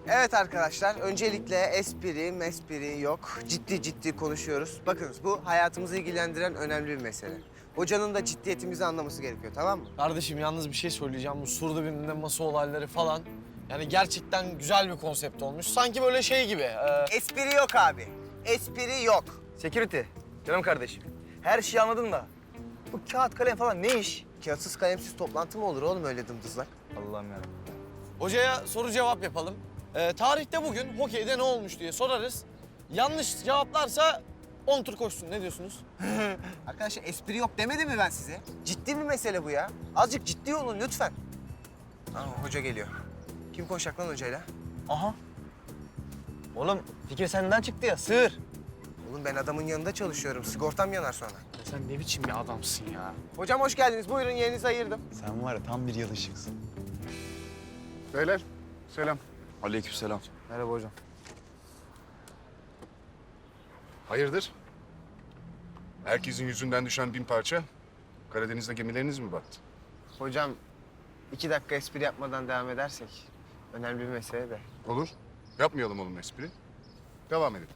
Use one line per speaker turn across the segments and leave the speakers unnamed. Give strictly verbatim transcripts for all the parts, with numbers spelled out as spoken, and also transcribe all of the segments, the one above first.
Evet arkadaşlar, öncelikle espri, mespri yok. Ciddi ciddi konuşuyoruz. Bakınız bu hayatımızı ilgilendiren önemli bir mesele. Hocanın da ciddiyetimizi anlaması gerekiyor, tamam mı?
Kardeşim yalnız bir şey söyleyeceğim. Bu surda birinde masa olayları falan. Yani gerçekten güzel bir konsept olmuş. Sanki böyle şey gibi. e,
Espri yok abi. Espri yok.
Security, canım kardeşim. Her şeyi anladın da bu kağıt kalem falan ne iş?
Kağıtsız kalemsiz toplantı mı olur oğlum öyle dımdızlak?
Allah'ım yarabbim.
Hocaya soru cevap yapalım. E, tarihte bugün hokeyde ne olmuş diye sorarız. Yanlış cevaplarsa on tur koşsun. Ne diyorsunuz?
Arkadaşlar espri yok demedim mi ben size? Ciddi bir mesele bu ya. Azıcık ciddi olun lütfen. Aa, hoca geliyor. Kim konuşacak lan hocayla?
Aha. Oğlum fikir senden çıktı ya, sığır.
Oğlum ben adamın yanında çalışıyorum. Sigortam yanar sonra.
Ya sen ne biçim bir adamsın ya?
Hocam hoş geldiniz. Buyurun yerinizi ayırdım.
Sen var ya tam bir yalışıksın.
Beyler, selam.
Aleykümselam.
Merhaba hocam.
Hayırdır? Herkesin yüzünden düşen bin parça. Karadeniz'de gemileriniz mi battı?
Hocam iki dakika espri yapmadan devam edersek önemli bir mesele de.
Olur. Yapmayalım oğlum espri. Devam edelim.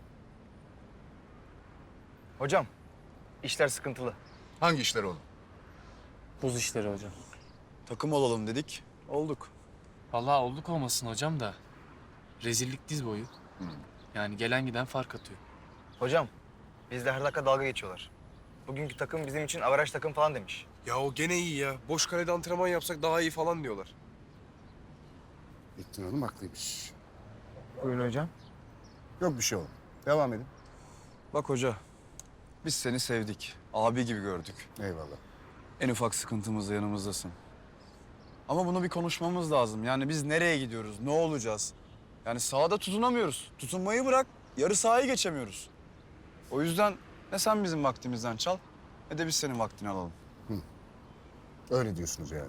Hocam, işler sıkıntılı.
Hangi işler oğlum?
Buz işleri hocam.
Takım olalım dedik. Olduk.
Vallahi olduk olmasın hocam da rezillik diz boyu. Yani gelen giden fark atıyor.
Hocam, bizde her dakika dalga geçiyorlar. Bugünkü takım bizim için averaj takım falan demiş.
Ya o gene iyi ya. Boş kalede antrenman yapsak daha iyi falan diyorlar.
Bittin oğlum, haklıymış.
Buyurun hocam.
Yok bir şey oğlum. Devam edin.
Bak hoca, biz seni sevdik. Abi gibi gördük.
Eyvallah.
En ufak sıkıntımızda yanımızdasın. Ama bunu bir konuşmamız lazım. Yani biz nereye gidiyoruz, ne olacağız? Yani sahada tutunamıyoruz. Tutunmayı bırak, yarı sahayı geçemiyoruz. O yüzden ne sen bizim vaktimizden çal, ne de biz senin vaktini alalım.
Öyle diyorsunuz yani.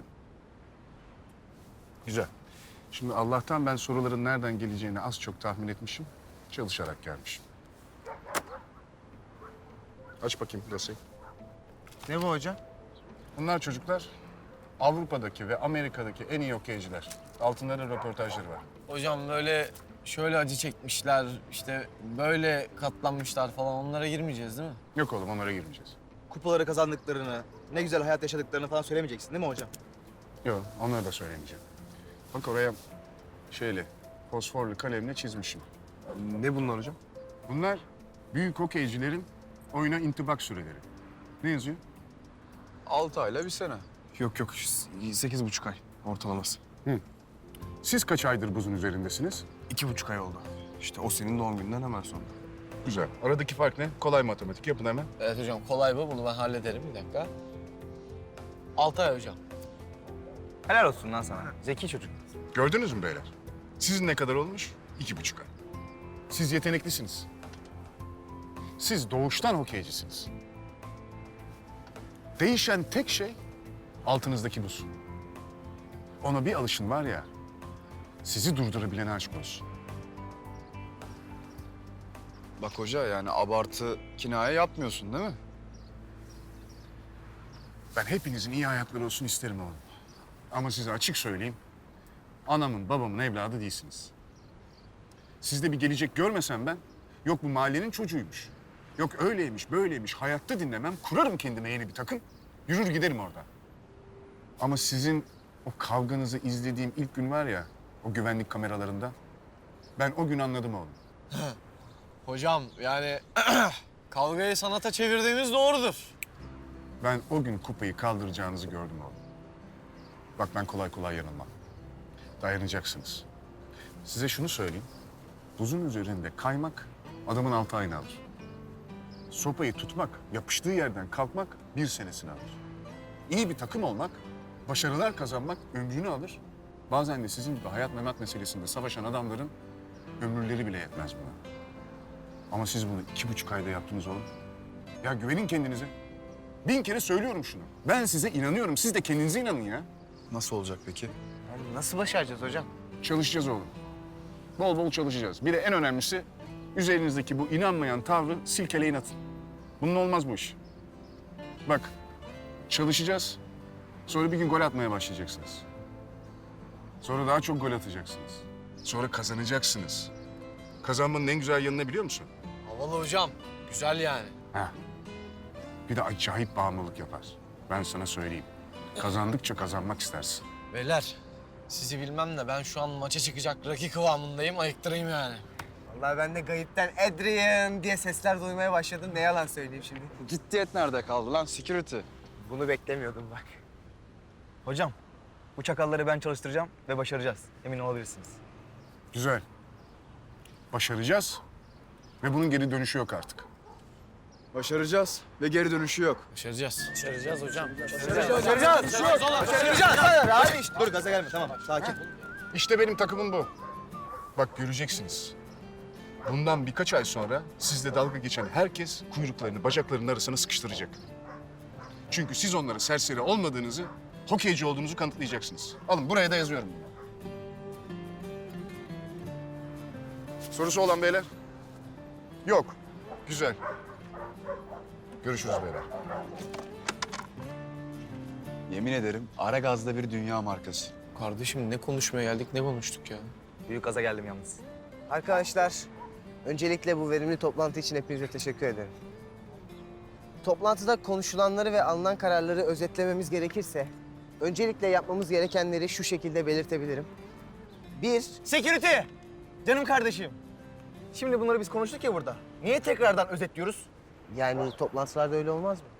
Güzel. Şimdi Allah'tan ben soruların nereden geleceğini az çok tahmin etmişim. Çalışarak gelmişim. Aç bakayım dosyayı.
Ne bu hocam?
Bunlar çocuklar Avrupa'daki ve Amerika'daki en iyi okeyciler. Altınların röportajları var.
Hocam böyle şöyle acı çekmişler, işte böyle katlanmışlar falan onlara girmeyeceğiz değil mi?
Yok oğlum, onlara girmeyeceğiz.
Kupaları kazandıklarını, ne güzel hayat yaşadıklarını falan söylemeyeceksin değil mi hocam?
Yok, onları da söylemeyeceğim. Bak oraya şeyle, fosforlu kalemle çizmişim.
Ne bunlar hocam?
Bunlar büyük okeycilerin oyuna intibak süreleri. Ne yazıyor?
Altı ayla bir sene.
Yok yok. Sekiz buçuk ay ortalaması.
Siz kaç aydır buzun üzerindesiniz?
İki buçuk ay oldu. İşte o senin doğum gününden hemen sonra.
Güzel. Aradaki fark ne? Kolay matematik. Yapın hemen.
Evet hocam kolay bu. Bunu ben hallederim. Bir dakika. Altay hocam.
Helal olsun lan sana. Zeki çocuk.
Gördünüz mü beyler? Sizin ne kadar olmuş? İki buçuk ay. Siz yeteneklisiniz. Siz doğuştan hokeycisiniz. Değişen tek şey altınızdaki buz. Ona bir alışın var ya, sizi durdurabilene aşk olsun.
Bak hoca yani abartı, kinaye yapmıyorsun değil mi?
Ben hepinizin iyi hayatları olsun isterim oğlum. Ama size açık söyleyeyim, anamın babamın evladı değilsiniz. Sizde bir gelecek görmesem ben, yok bu mahallenin çocuğuymuş. Yok öyleymiş, böyleymiş, hayatta dinlemem, kurarım kendime yeni bir takım, yürür giderim orada. Ama sizin o kavganızı izlediğim ilk gün var ya, o güvenlik kameralarında, ben o gün anladım oğlum.
Hocam yani kavgayı sanata çevirdiğimiz doğrudur.
Ben o gün kupayı kaldıracağınızı gördüm oğlum. Bak ben kolay kolay yanılmam. Dayanacaksınız. Size şunu söyleyeyim. Buzun üzerinde kaymak adamın altı ayını alır. Sopayı tutmak, yapıştığı yerden kalkmak bir senesini alır. İyi bir takım olmak, başarılar kazanmak ömrünü alır. Bazen de sizin gibi hayat memat meselesinde savaşan adamların ömürleri bile yetmez buna. Ama siz bunu iki buçuk ayda yaptınız oğlum. Ya güvenin kendinize. Bin kere söylüyorum şunu. Ben size inanıyorum. Siz de kendinize inanın ya.
Nasıl olacak peki?
Yani nasıl başaracağız hocam?
Çalışacağız oğlum. Bol bol çalışacağız. Bir de en önemlisi üzerinizdeki bu inanmayan tavrı silkeleyin atın. Bunun olmaz bu iş. Bak çalışacağız. Sonra bir gün gol atmaya başlayacaksınız. Sonra daha çok gol atacaksınız. Sonra kazanacaksınız. Kazanmanın en güzel yanını biliyor musun?
Havalı hocam. Güzel yani.
Ha. Bir de acayip bağımlılık yapar. Ben sana söyleyeyim. Kazandıkça kazanmak istersin.
Beyler sizi bilmem de ben şu an maça çıkacak Rocky kıvamındayım. Ayıktırayım yani.
Vallahi ben de gayipten Adrian diye sesler duymaya başladım. Ne yalan söyleyeyim şimdi.
Ciddiyet nerede kaldı lan security?
Bunu beklemiyordum bak.
Hocam, bu çakalları ben çalıştıracağım ve başaracağız. Emin olabilirsiniz.
Güzel. Başaracağız ve bunun geri dönüşü yok artık.
Başaracağız ve geri dönüşü yok.
Başaracağız. Başaracağız hocam.
Başaracağız. Başaracağız. Başaracağız. Abi işte.
Dur gaza gelme tamam sakin.
İşte benim takımım bu. Bak göreceksiniz. Bundan birkaç ay sonra sizle dalga geçen herkes kuyruklarını bacaklarının arasına sıkıştıracak. Çünkü siz onlara serseri olmadığınızı, hokeyci olduğunuzu kanıtlayacaksınız. Alın buraya da yazıyorum bunu. Sorusu olan beyler? Yok. Güzel. Görüşürüz beyler.
Yemin ederim Aragaz'da bir dünya markası.
Kardeşim ne konuşmaya geldik ne konuştuk ya?
Büyük gaza geldim yalnız.
Arkadaşlar, öncelikle bu verimli toplantı için hepinize teşekkür ederim. Toplantıda konuşulanları ve alınan kararları özetlememiz gerekirse, öncelikle yapmamız gerekenleri şu şekilde belirtebilirim. Bir,
Security! Canım kardeşim. Şimdi bunları biz konuştuk ya burada. Niye tekrardan özetliyoruz?
yani toplantılarda öyle olmaz mı?